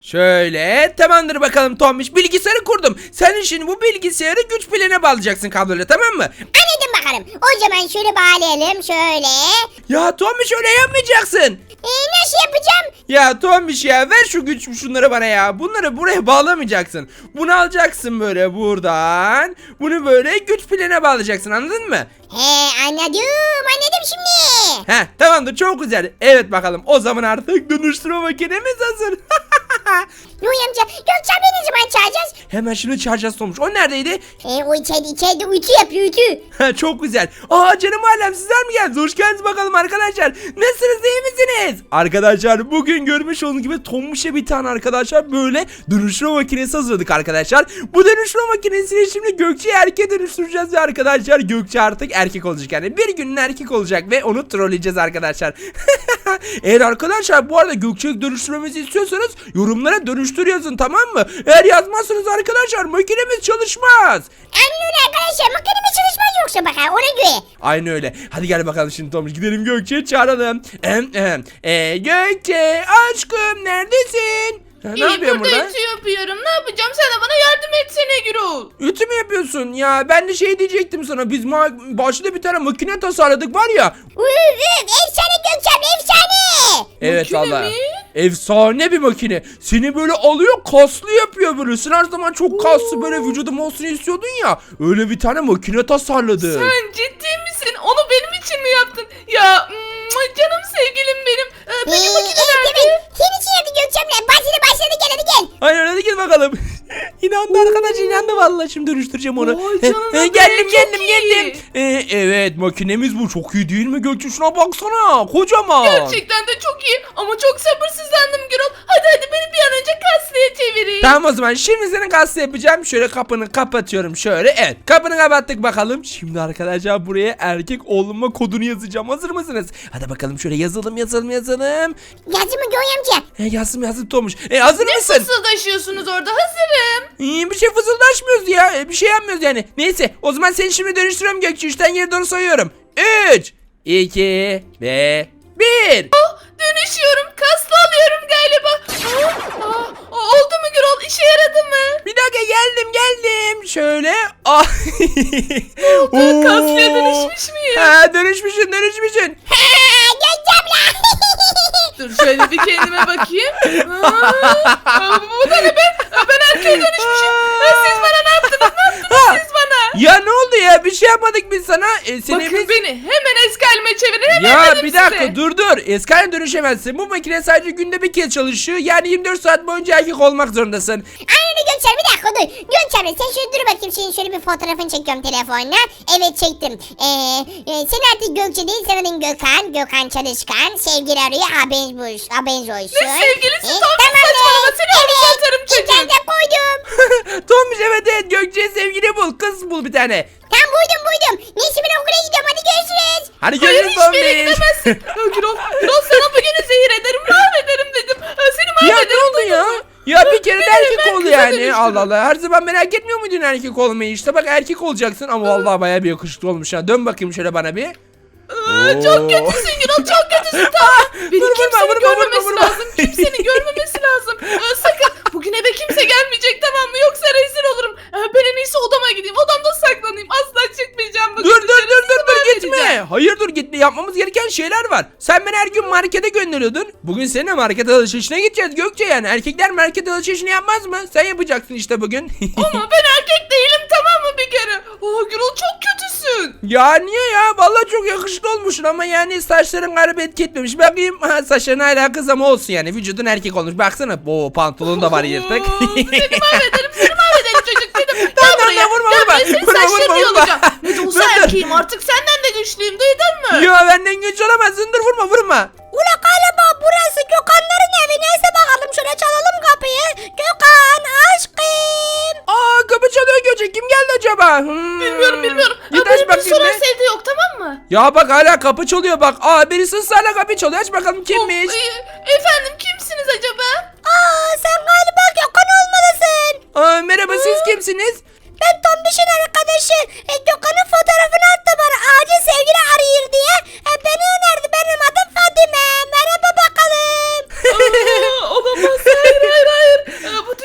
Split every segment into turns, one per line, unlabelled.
Şöyle tamamdır bakalım Tombiş, bilgisayarı kurdum. Sen şimdi bu bilgisayarı güç piline bağlayacaksın kabloyla, tamam mı?
Anladım bakalım. O zaman şöyle bağlayalım şöyle.
Ya Tombiş öyle yapmayacaksın.
Nasıl yapacağım?
Ya Tombiş ya, ver şu güç şunları bana ya. Bunları buraya bağlamayacaksın. Bunu alacaksın böyle buradan. Bunu böyle güç piline bağlayacaksın, anladın mı?
Anladım şimdi.
Heh, tamamdır, çok güzel. Evet bakalım, o zaman artık dönüştürme makinemiz hazır.
Yoy amca Gökçen beni ne zaman çağıracağız?
Hemen şimdi çağıracağız Tomuş. O neredeydi?
O içeride ütü yapıyor ütü.
Çok güzel. Aa canım alem, sizler mi geldiniz? Hoş geldiniz bakalım arkadaşlar. Nasılsınız, iyi misiniz? Arkadaşlar bugün görmüş olduğunuz gibi Tomuş'a bir tane arkadaşlar böyle dönüştürme makinesi hazırladık arkadaşlar. Bu dönüştürme makinesini şimdi Gökçe'yi erkeğe dönüştüreceğiz ve arkadaşlar Gökçe artık erkek olacak. Yani bir günün erkek olacak ve onu trolleyeceğiz arkadaşlar. Eğer arkadaşlar bu arada Gökçe'yi dönüştürmemizi istiyorsanız yorumlara dönüştür yazın, tamam mı? Eğer yazmazsanız arkadaşlar makinemiz çalışmaz.
Anlıyorum arkadaşlar makinemiz çalışmaz yoksa bakar ona göre.
Aynı öyle. Hadi gel bakalım şimdi Tomuş, gidelim Gökçe'yi çağıralım. Gökçe aşkım, neredesin? Ne yapıyorsun burada?
Ütü yapıyorum. Ne yapacağım? Sen de bana yardım etsene Gürol.
Ütü mü yapıyorsun? Ya ben de şey diyecektim sana. Biz başta bir tane makine tasarladık var ya.
Efsane Gökçen efsane.
Evet
Makine
vallahi.
mi?
Efsane bir makine. Seni böyle alıyor, kaslı yapıyor böyle. Sen her zaman çok kaslı böyle vücudum olsun istiyordun ya. Öyle bir tane makine tasarladı.
Sen ciddi misin? Onu benim için mi yaptın? Ya canım sevgilim benim. Benim makine nerede?
Senin için yaptı Gökçen'le. Başladı gel hadi gel.
Aynen, hadi gel bakalım. İnandı arkadaş, inandı vallahi, şimdi dönüştüreceğim onu.
Vay canına be,
Geldim
çok iyi.
Evet, makinemiz bu, çok iyi değil mi Gökçe? Şuna baksana, kocaman.
Gerçekten de çok iyi ama çok sabırsızlandım Gürol. Hadi beni bir an önce kaslıya çevirin.
Tamam, o zaman şimdi senin kaslı yapacağım. Şöyle kapını kapatıyorum şöyle. Evet, kapını kapattık bakalım. Şimdi arkadaşlar buraya erkek olma kodunu yazacağım. Hazır mısınız? Hadi bakalım, şöyle yazalım.
Yazdı mı Yoy amca?
Yazdım Tomuş. Hazır
Ne
mısın?
fısıldaşıyorsunuz orada? Hazırım.
Bir şey fısıldaşmıyoruz ya. Bir şey yapmıyoruz yani. Neyse, o zaman seni şimdi dönüştürüyorum Gökçe. 3'ten geri doğru sayıyorum. 3, 2 ve 1.
Dönüşüyorum. Kaslı alıyorum galiba. Oldu mu Gürol? İşe yaradı mı?
Bir dakika, geldim. Şöyle.
Kaslıya dönüşmüş müyüm?
Ha, dönüşmüşsün.
Gökçen'le.
Dur şöyle bir kendime bakayım. Bu da ne be? Ben erkeğe dönüşmüşüm. Siz bana ne yaptınız? Siz bana?
Ya ne oldu ya? Bir şey yapmadık biz sana.
Bakın beni hemen eski halime çevirin. Hemen
Ya
dedim
bir dakika,
size.
dur. Eski haline dönüşemezsin. Bu makine sadece günde bir kez çalışıyor. Yani 24 saat boyunca erkek olmak zorundasın.
Aynen Gökçen bir dakika dur. Gökçen sen şöyle dur bakayım. Senin şöyle bir fotoğrafını çekiyorum telefonla. Evet çektim. Sen artık Gökçe değil, sen adın Gökhan. Gökhan Çalışkan. Sevgili arıyor. Haberiniz olsun.
Ne sevgilisi? Tamam saçmalama. Seni hapise atarım çocuğum.
İnternete koydum.
Tombiş, evet Gökçe'ye sevgili bul. Kız bul bir tane.
Tam buydum. Neyse ben okula gidiyorum hadi görüşürüz.
Hadi
Hayır
görüşürüz
hiçbir yere
Tombiş.
gidemezsin. Gürol sana bugünü zehir ederim. Mahvederim dedim. Seni
Ya
mahvederim.
ne oldu ya?
duydun mu?
Ya bir kere de
Beni
erkek
hemen
oldu
kıza
yani.
dönüştürün.
Allah Allah. Her zaman merak etmiyor muydun erkek olmayı? İşte bak, erkek olacaksın ama vallahi bayağı bir yakışıklı olmuş ha. Dön bakayım şöyle bana bir.
Çok kötüsün Gürol, çok kötüsün. Tamam. Beni kimsenin görmemesi
vurma.
lazım. Kimsenin görmemesi lazım. Sakın bugün eve kimse gelmeyecek, tamam mı? Yoksa rezil olurum. Ben en iyisi odama gideyim. Odamda saklanayım. Asla çıkmayacağım bugün.
Dur
dışarı. Sizi
gitme.
mahvedeceğim.
Hayır dur, gitme. Yapmamız gereken şeyler var. Sen beni her gün markete gönderiyordun. Bugün seninle market alışverişine gideceğiz Gökçe yani. Erkekler market alışverişini yapmaz mı? Sen yapacaksın işte bugün.
Ama ben erkek değilim, tamam mı bir kere? Gürol çok kötüsün.
Ya niye ya? Vallahi çok yakışıklı olmuşsun ama yani saçların galiba etki etmemiş. Bakayım, saçların hala kız ama olsun yani. Vücudun erkek olmuş. Baksana. Pantolon da var yırtık.
Seni mahvederim çocuk dedim.
Tamam, vurma.
Senin saçlarını yolacağım. Ne de olsa
Dur.
erkeğim artık, senden de güçlüyüm, duydun mu?
Ya benden güç olamazsın. Dur, vurma.
Ula galiba burası Gökhanların evi. Neyse bakalım şöyle çalalım kapıyı. Gökhan aşkım.
Kapı çalıyor Gökçe. Kim geldi acaba?
Bilmiyorum.
Git aç
Benim bir
bakayım
soru
be.
evde yok, tamam mı?
Ya bak, hala kapı çalıyor bak. Birisi ısrarla kapı çalıyor. Aç bakalım kimmiş.
Efendim kimsiniz acaba?
Sen galiba Gökhan olmalısın.
Merhaba, siz kimsiniz?
Ben Tombiş'in arkadaşı. Gökhan'ın fotoğrafını attı bana. Acil sevgili arıyor diye. Beni önerdi. Benim adım Fadime. Merhaba bakalım.
Olamaz, hayır.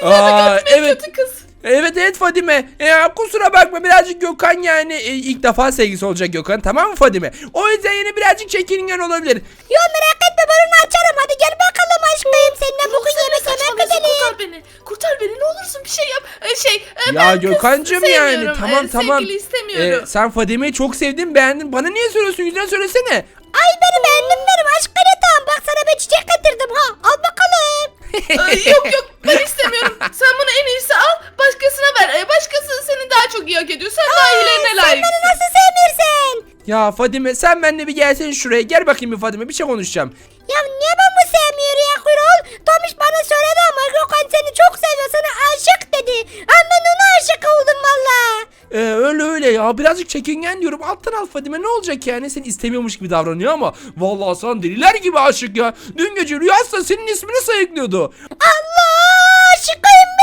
Aa,
Gökhan
evet.
kötü kız.
Evet Fadime. Kusura bakma birazcık Gökhan yani ilk defa sevgisi olacak Gökhan, tamam mı Fadime? O yüzden yine birazcık çekingen olabilir.
Yo merak etme ben onu açarım. Hadi gel bakalım aşkım. Seninle bugün yemek
Saçmalıyorsun,
gidelim.
kurtar beni. Kurtar beni ne olursun bir şey yap.
Ya
Ben kız
Gökhancığım yani
sevmiyorum.
tamam.
Sevgili istemiyorum.
Sen Fadime'yi çok sevdin, beğendin. Bana niye söylüyorsun? Yüzüne söylesene.
Ay beni beğendin benim aşkım. Tamam bak sana ben çiçek getirdim ha. Al bakalım.
Yok ben istemiyorum. Sen bunu en iyisi al başkasına ver. Başkası seni daha çok iyi hak ediyor. Sen daha iyilerine
Sen
layıksın.
beni nasıl sevmiyorsun?
Ya Fadime sen benimle bir gelsene şuraya. Gel bakayım bir Fadime, bir şey konuşacağım.
Ya niye ben bu sevmiyor ya Kuyruğul? Tomiş bana söyledi ama Gökhan seni çok seviyor. Sana aşık dedi. Ama ben ona aşık oldum valla.
Öyle ya, birazcık çekingen diyorum. Alttan al Fadime, ne olacak yani, seni istemiyormuş gibi davranıyor ama vallahi sana deliler gibi aşık ya. Dün gece rüyasında senin ismini sayıklıyordu.
Allah aşkım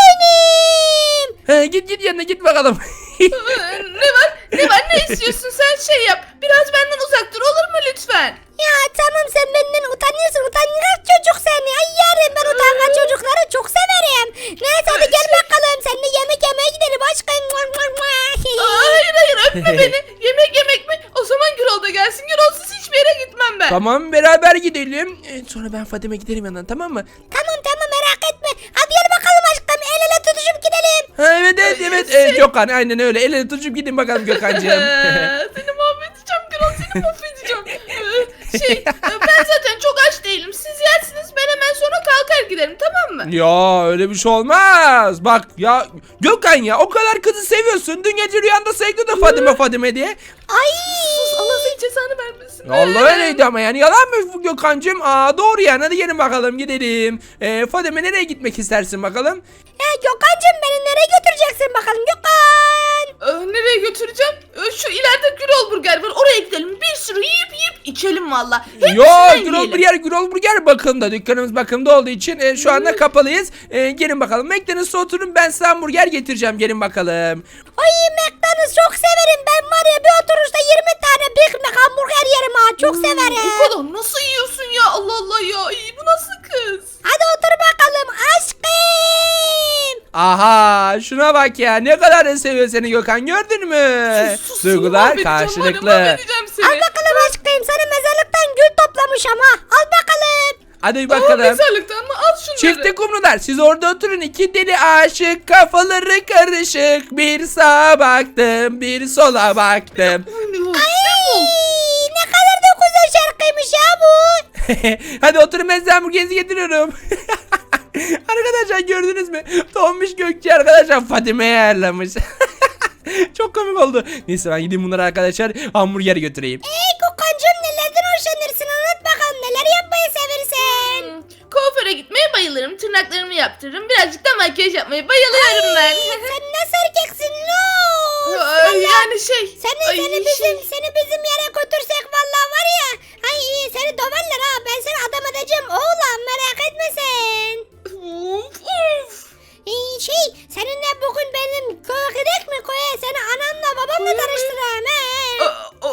benim.
Git yanına git bakalım.
Ne var ne istiyorsun sen şey yap. Biraz benden uzak dur olur mu lütfen?
Ya tamam sen benden utanıyorsun. Utangaç çocuk seni. Ay yarın ben utangaç çocukları çok severim. Neyse hadi gel bakalım. Seninle yemek yemeye gidelim aşkım.
Hayır öpme beni. Yemek mi? O zaman Gürol da gelsin. Gürolsuz hiçbir yere gitmem ben.
Tamam beraber gidelim. Sonra ben Fadime giderim yanına, tamam mı?
Tamam merak etme. Hadi gel bakalım aşkım. El ele tutuşup gidelim.
Evet Gökhan aynen öyle. El ele tutuşup gidin bakalım Gökhan'cığım.
Seni mahvedeceğim Gürol seni mahvedeceğim. Ben zaten çok aç değilim. Siz yersiniz ben hemen sonra kalkar giderim tamam mı?
Ya öyle bir şey olmaz. Bak ya Gökhan ya, o kadar kızı seviyorsun. Dün gece rüyanda sayıklıyordun Fadime diye.
Ay.
Sus Allah senin cezanı vermesin.
Allah öyleydi ama yani yalan mı bu Gökhan'cığım? Doğru yani, hadi gelin bakalım gidelim. Fadime nereye gitmek istersin bakalım?
Gökhan'cığım beni nereye götüreceksin bakalım Gökhan?
Nereye götüreceğim? Şu ileride Gürol Burger var oraya gidelim. Bir sürü yiyip içelim valla.
Gürol Burger bakımda. Dükkanımız bakımda olduğu için şu anda kapalıyız. Gelin bakalım. McDonald's'a oturun, ben size hamburger getireceğim. Gelin bakalım.
Ay McDonald's çok severim. Ben var ya bir oturuşta 20 tane Big Mac hamburger yerim ha. Çok severim.
O kadar nasıl yiyorsun ya Allah Allah ya. Bu nasıl kız?
Hadi otur bakalım aşkım.
Aha şuna bak ya, ne kadar da seviyor seni Gökhan, gördün mü?
Sus,
Duygular
mahvedeceğim,
karşılıklı.
mahvedeceğim seni.
Al bakalım aşkım. Sana mezarlıktan gül toplamış ama. Al bakalım.
Hadi
Aa,
bakalım.
mezarlıktan mı? Al şunları.
Çifte kumrular, siz orada oturun, iki deli aşık, kafaları karışık. Bir sağa baktım, bir sola baktım.
Ay, ne kadar da güzel şarkıymış ya bu.
Hadi oturun, ben size hamburgerinizi getiriyorum. Arkadaşlar gördünüz mü? Tombiş Gökçe arkadaşlar Fadime'ye ayarlamış. Çok komik oldu. Neyse ben gideyim bunlara arkadaşlar hamburger götüreyim.
Gökhan'cığım nelerden hoşlanırsın anlat bakalım. Neler yapmayı seversin?
Kuaföre gitmeye bayılırım. Tırnaklarımı yaptırırım. Birazcık da makyaj yapmayı bayılıyorum ben.
Sen nasıl erkeksin lo?
Yani şey.
Seni bizim yere götürsek vallahi var ya. Ay seni döverler ha. Ben seni adam edeceğim oğlum merak etme sen.
Of.
Seninle bugün benim köye gidek mi köye? Seni anamla babamla tanıştırayım he.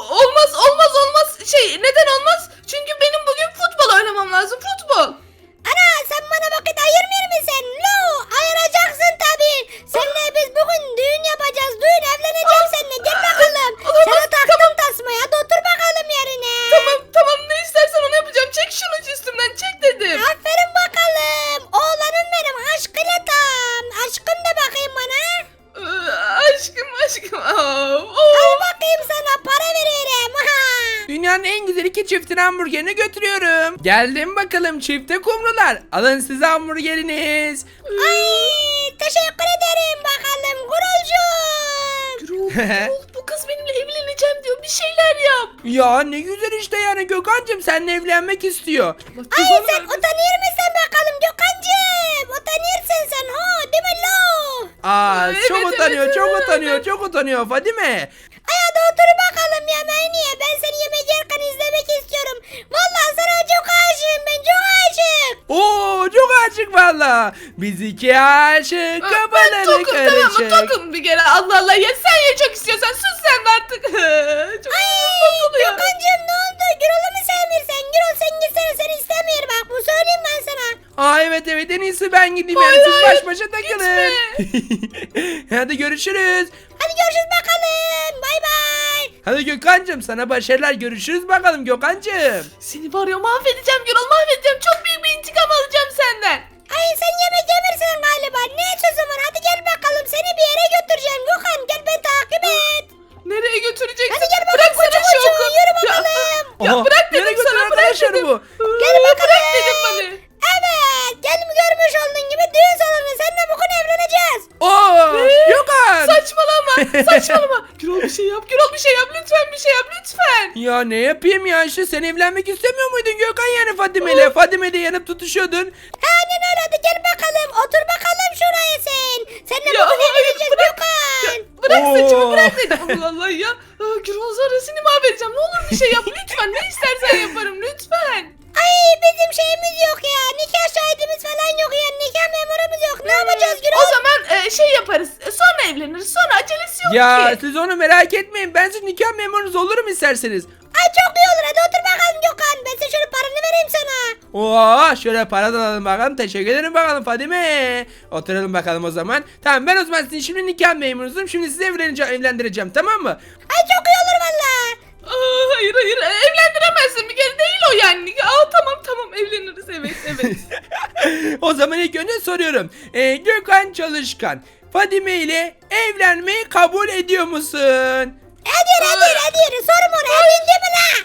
Olmaz. Neden olmaz? Çünkü benim bugün futbol oynamam lazım. Futbol.
Ana sen bana vakit ayırmıyor musun? Lo ayıracaksın tabii. Seninle biz bugün düğün yapacağız. Düğün evleneceğim seninle. Gel bakalım. Sana taktım tasmayı. Hadi otur bakalım yerine.
Tamam ne istersen onu yapacağım. Çek şunu üstümden çek dedim.
Aferin bakalım. Oğlanım benim aşkıyla tam. Aşkım da bakayım bana.
Aşkım.
Al bakayım sana para veririm.
Dünyanın en güzel iki çiftin hamburgerini götürüyorum. Geldim bakalım çifte kumrular. Alın size hamburgeriniz.
Ay teşekkür ederim bakalım Gurulcuğum.
Gürol, bu kız benimle evleneceğim diyor. Bir şeyler yap.
Ya ne güzel işte yani Gökhan'cığım, seninle evlenmek istiyor.
Ay sen utanır mısın bakalım Gökhan'cığım? Utanırsın sen ha değil mi lo?
Çok utanıyor Fadime.
Ay hadi otur bakalım yemeğini ye. Ben seni yemek yerken izlemek istiyorum. Vallahi sana çok aşığım ben çok aşık.
Çok aşık valla. Biz iki aşık,
Ben
kafaları
tokum tamam mı?
karışık.
Tokum bir kere. Allah ya sen ye çok istiyorsan sus sen de artık. Çok
Ay
oluyor.
Gökhan'cığım ne oldu? Gürol'u mu sevmiyorsun? Gürol sen gitsene seni istemiyor bak bu söyleyeyim ben sana.
Aa evet en iyisi ben gideyim yani siz baş başa takılın. Hadi görüşürüz.
Hadi görüşürüz bakalım. Bay bay.
Hadi Gökhan'cığım sana başarılar, görüşürüz bakalım Gökhan'cığım.
Seni var ya mahvedeceğim Gürol, mahvedeceğim. Çok büyük bir intikam alacağım senden.
Ay sen yemek yemirsin galiba. Ne sözüm var? Hadi gel bakalım. Seni bir yere götüreceğim. Gökhan gel beni takip et.
Nereye götüreceksin?
Hadi gel bakalım.
Bıraksana
Koçum
şu oku.
yürü
Ya,
bakalım.
ya
Aha,
bırak
nereye
dedim
götürüyor
sana, bırak
arkadaşlar
dedim.
bu?
Gel bakalım.
Bırak dedim bana.
Evet. Gel görmüş olduğun gibi düğün salonu. Seninle bugün evleneceğiz.
Oo Gökhan.
Saçmalama, saçmalama. Gürol bir şey yap, Gürol bir şey yap. Lütfen bir şey yap, lütfen.
Ya ne yapayım ya, işte sen evlenmek istemiyor muydun Gökhan yani Fadime ile? Fadime de yanıp tutuşuyordun.
Aynen öyle. Hadi gel bakalım. Otur bakalım şuraya sen. Seninle
Ya,
bugün
hayır,
evleneceğiz
bırak.
Gökhan.
Bırak
Oo.
saçımı, bırak dedim. Allah Allah ya. Gürol zarasını mahvedeceğim. Ne olur bir şey yap lütfen. Ne istersen yaparım lütfen.
Ay bizim şeyimiz yok ya. Nikah şahidimiz falan yok ya. Nikah memurumuz yok. Ne yapacağız Gürol?
O zaman şey yaparız. Sonra evleniriz. Sonra acelesi yok
Ya
ki.
siz onu merak etmeyin, ben sizin nikah memurunuz olurum isterseniz.
Ay çok iyi olur. Hadi otur bakalım Gökhan. Ben size şöyle paranı vereyim sana.
Oo şöyle para da alalım bakalım, teşekkür ederim bakalım Fadime. Oturalım bakalım o zaman. Tamam ben o zaman sizin şimdi nikah memurunuzum, şimdi sizi evlendireceğim tamam mı?
Ay çok iyi olur valla.
Hayır evlendiremezsin bir kere değil o yani. Tamam evleniriz evet.
O zaman ilk önce soruyorum. Gökhan Çalışkan Fadime ile evlenmeyi kabul ediyor musun?
Hadi. Sorum onu. Evlendi mi la?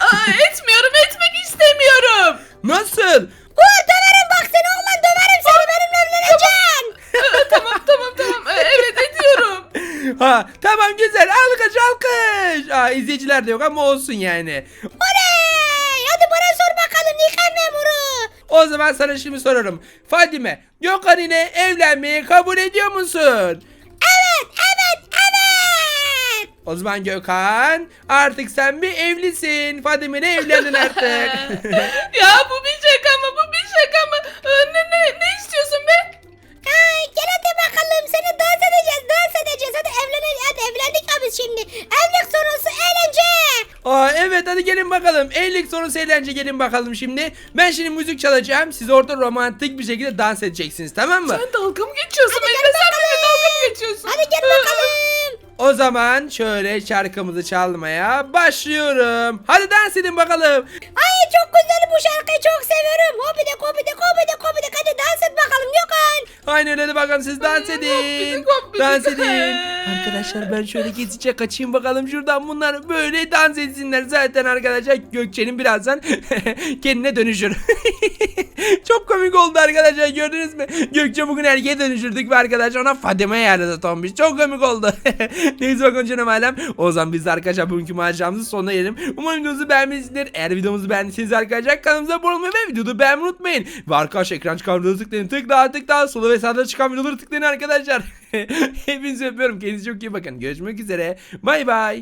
Etmek istemiyorum.
Nasıl?
Döverim bak seni oğlan. Döverim seni. Benimle evleneceksin.
Tamam. Evet ediyorum.
Ha tamam güzel, alkış. İzleyiciler de yok ama olsun yani.
Oley. Hadi bana sor bakalım nikah memuru.
O zaman sana şimdi soruyorum. Fadime, Gökhan ile evlenmeyi kabul ediyor musun?
Evet.
O zaman Gökhan, artık sen bir evlisin. Fadime ile evlendin artık.
Ya bu bir şaka mı? Ne istiyorsun be?
Ay gel hadi bakalım. Seni dans edeceğiz. Hadi evlendik abi şimdi. Evlilik sonrası eğlence.
Evet hadi gelin bakalım. Evlilik sonrası eğlence, gelin bakalım şimdi. Ben şimdi müzik çalacağım. Siz orada romantik bir şekilde dans edeceksiniz, tamam mı?
Sen dalga mı geçiyorsun?
Hadi
Benimle
gel
sen benimle
bakalım.
dalga mı geçiyorsun?
Hadi gel bakalım.
O zaman şöyle şarkımızı çalmaya başlıyorum. Hadi dans edin bakalım.
Ay çok güzel bu şarkıyı çok seviyorum. Hobidik. Hadi dans et bakalım Gökhan.
Aynen öyle, hadi bakalım siz dans
Ay,
edin.
hopidik.
Dans edin. Arkadaşlar ben şöyle gizlice kaçayım bakalım şuradan, bunlar böyle dans etsinler. Zaten arkadaşlar Gökçe'nin birazdan kendine dönüşür. Çok komik oldu arkadaşlar, gördünüz mü? Gökçe bugün erkeğe dönüştürdük ve arkadaşlar ona Fadime yerine tombiş. Çok komik oldu. Neyse bakın canım ailem. O zaman biz de arkadaşlar bugünkü maceramızın sonuna gelelim. Umarım videomuzu beğenmişsinizdir. Eğer videomuzu beğendiyseniz arkadaşlar kanalımıza abone olmayı ve videoda beğenmeyi unutmayın. Ve arkadaşlar ekran çıkan videoları tıklayın. Tık sola ve sağda çıkan videoları tıklayın arkadaşlar. Hepinizi öpüyorum. Kendinize çok iyi bakın. Görüşmek üzere. Bay bay.